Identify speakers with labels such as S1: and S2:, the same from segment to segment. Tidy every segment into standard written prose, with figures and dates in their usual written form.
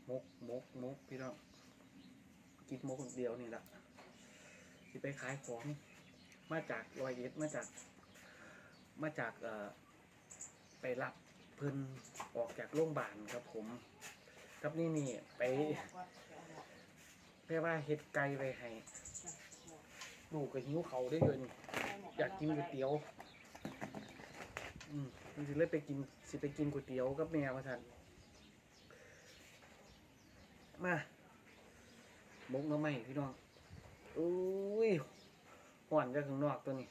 S1: มกพี่น้องกินมกเดียวนี่แหละที่ไปขายของมาจาก101มาจากไปรับเพิ่นออกจากโรงพยาบาลครับผมครับนี่ไปเรียกว่าเฮ็ดไก่ไว้ให้ลูกก็หิวเขาได้เงินอยากกินก๋วยเตี๋ยวมันสิเลยไปกินก๋วยเตี๋ยวกับแม่ว่าซั่นมามกน้ำไหมพี่น้องอุ้ยหวานจากข้างนอกตัวนี้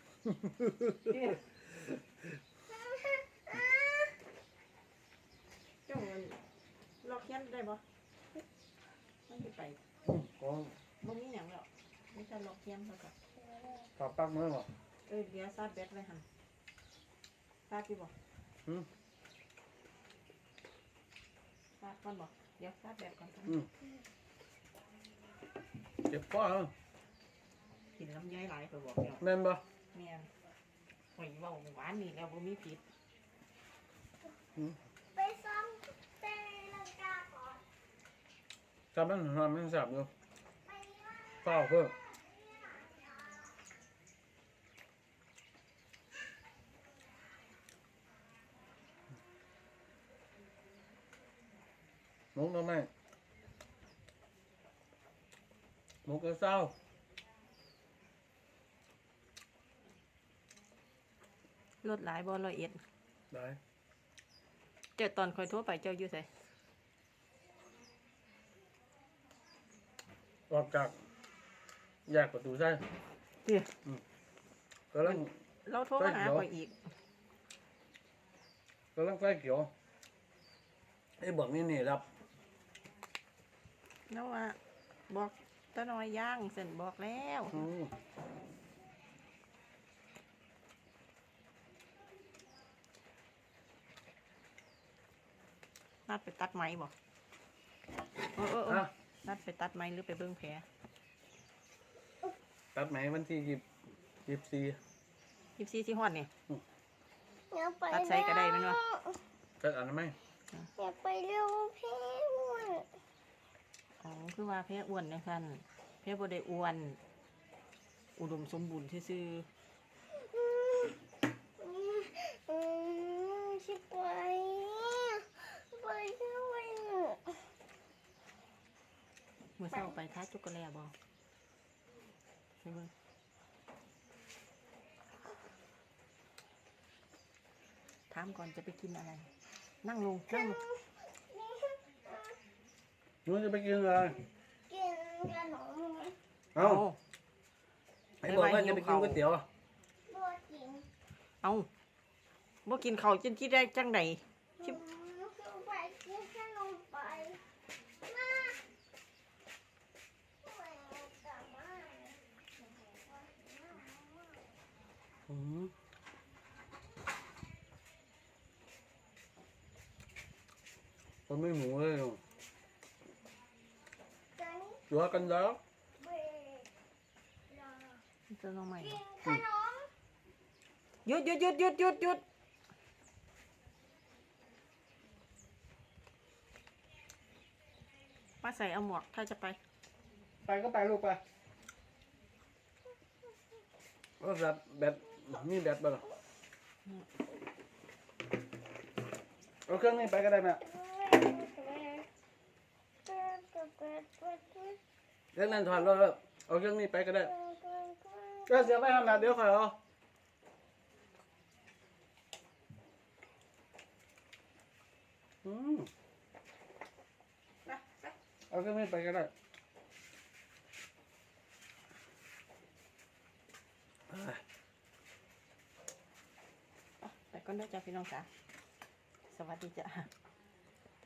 S2: เจ้าเงินล็อกเขียนได้บ่มันจะไป
S1: ก็
S2: บ่มีหยังแล้วไม่ใช่ล็อกเขียนเท่ากับ
S1: ตอบปักมือบ่
S2: เดี๋ยวซาดแบตไว้หั่นซาดอยู่บ่ซาดก่อนบ่เดี๋ยวซาดแบตก่อน
S1: เจ็บป้อ
S2: กินลำไยหลายไปบอกแล้ว
S1: แม่นบ่
S2: แม่นหอยเว้าหวานนี่แล้วบ่มีผิด
S3: ไปซ้อมเต้นลังกาก่อน
S1: จำมันนอนมันสับอยู่เปล่าเพิ่มมุกแล้วไหมมุกก็เศร้าร
S2: ถหลายบ่101
S1: ได้
S2: เจ้าตอนคอยโทรไปเจ้าอยู่ไส
S1: ออกจากแยกประตูใช่ก็ลัง
S2: เราโทรมาหาข่อยอีก
S1: ก็ลังไฟเขียวไอ้บอกนี่รับ
S2: แล้วว่าบอกตะน้อยย่างเส้นบอกแล้วนัดไปตัดไม้บ่นัดไปตัดไม้หรือไปเบิ่งแผล
S1: ตัดไหมวันที่24
S2: ที่ฮอดนี่
S3: ตัด
S2: ใส่ก็ได้แม่นบ่
S1: ตัดอันนั้นไหม
S3: อยากไปเร็วพี่อ้วน
S2: คือว่าแพ้อ้วนนะท่านแพ้บ่ได้อ้วนอุดมสมบูรณ์ซื่อ
S3: ชิบไปด้วย
S2: เมื่อเช้าไปท้าจุกกะแลบ่ไปเบิ่งถามก่อนจะไปกินอะไรนั่งลง
S1: นู้นจะไปกินอะไร
S3: กินขนม
S1: เอาไอ้บอกว่าจะไปกินก๋วยเตี๋ยว
S3: บ่กิน
S2: บ่กินข้าวจนที่ได้จังได๋
S3: ไปกินขนมไปมา
S1: คนไม่หมูเลยตัวกันแล้ว
S2: จะลองใหม่
S3: ขนม
S2: หยุดมาใส่เอาหมวกถ้าจะไป
S1: ก็ไปลูกไปก็แบบมีแบบบ้างเอาเครื่องนี้ไปก็ได้ไหมเรื่องนั้นถอดรถเอาเครื่องนี้ไปก็ได้ก็เสียไปทำงานเดี๋ยวค่อยเอาเอาเครื่องนี้ไปก็ได้
S2: ไปก่อนเด้อจ้าพี่น้องจ๋าสวัสดีจ้า